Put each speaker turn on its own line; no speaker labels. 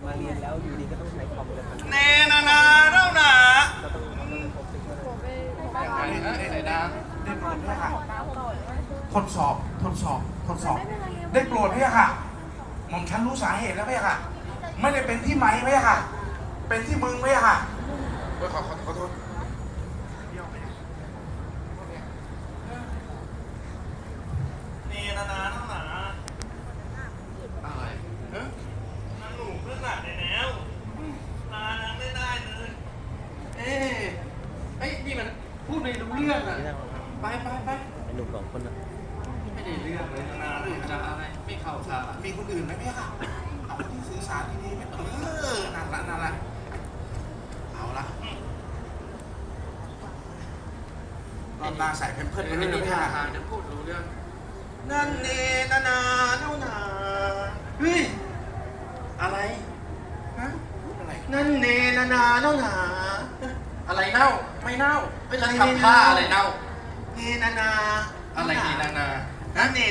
มาเรียนแล้วอยู่ดีก็ต้องใช้คอมกัน
แน่นานาเล่าหนา
ก็ต้องพบซิกเกอร์
ไหนนะได้โปรดพี่ค่ะทดสอบได้โปรดพี่ค่ะหม่อมฉันรู้สาเหตุแล้วพี่ค่ะไม่ได้เป็นที่ไม้พี่ค่ะเป็นที่มึงพี่ค่ะขอโทษนี่นานาเล่าหนาอะไรนั่งหนูเพื่อนหนักเลยแล้วนานั่งได้เลยเฮ้ยนี่มันพูดไม่รู้เรื่องอ่ะไป
ไอ้หนุ่ม2 คนน่ะ
ไม่ได้เรื่องเลยนาดูจะอะไรไม่เข้าท่ามีคนอื่นไหมพี่ค่ะเอาที่สื่อสารดีๆไม่นั่นละเอาละรอบหน้าใส่เพิ่มเพิ่มไปเรื่อยๆพี่ค่ะจะพูดรู้เรื่องนั่นเนนานาเน่าหนาเฮ้ยอะไรฮะอะไรนั่นเนนานาเน่าหนาอะไรเน่าไม่เน่าไม่แล้วทำท่าอะไรเน่าเนนานาอะไรเนนานานั่นเน